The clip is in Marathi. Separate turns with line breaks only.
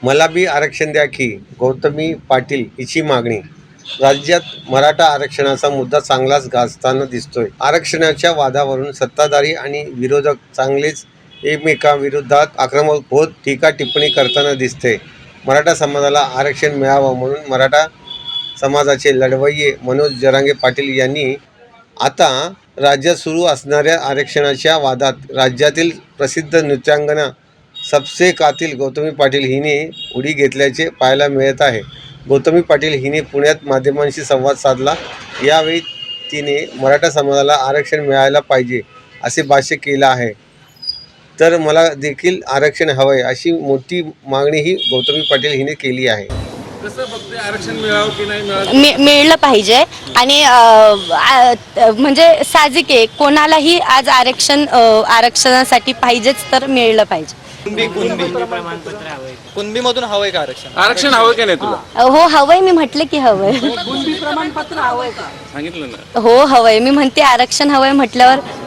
मला बी आरक्षण द्या की गौतमी पाटील हिची मागणी. राज्यात मराठा आरक्षणाचा मुद्दा चांगलाच गाजताना दिसतोय. आरक्षणाच्या वादावरून सत्ताधारी आणि विरोधक चांगलेच एकमेकांविरोधात आक्रमक होत टीका टिप्पणी करताना दिसते. मराठा समाजाला आरक्षण मिळावं म्हणून मराठा समाजाचे लढवय्ये मनोज जरांगे पाटील यांनी आता राज्यात सुरू असणाऱ्या आरक्षणाच्या वादात राज्यातील प्रसिद्ध नृत्यांगना सबसे कातील गौतमी पाटील हिने उडी घेतल्याचे पाहायला मिळत आहे. गौतमी पाटील हिने पुण्यात माध्यमांशी संवाद साधला. यावेळी तिने मराठा समाजाला आरक्षण मिळायला पाहिजे असे भाष्य केलं आहे. तर मला देखील आरक्षण हवंय अशी मोठी मागणीही गौतमी पाटील हिने केली आहे.
कसं फक्त आरक्षण मिळावं की नाही मिळावं
मिळलं पाहिजे आणि म्हणजे साहजिक आहे कोणालाही आज आरक्षणासाठी पाहिजेच तर मिळलं पाहिजे.
कुणबीमधून हवंय का आरक्षण?
आरक्षण हवं की नाही तुला?
हो हवंय, मी म्हटलं की हवंय.
सांगितलं ना.
हो हवंय, मी म्हणते आरक्षण हवंय म्हटल्यावर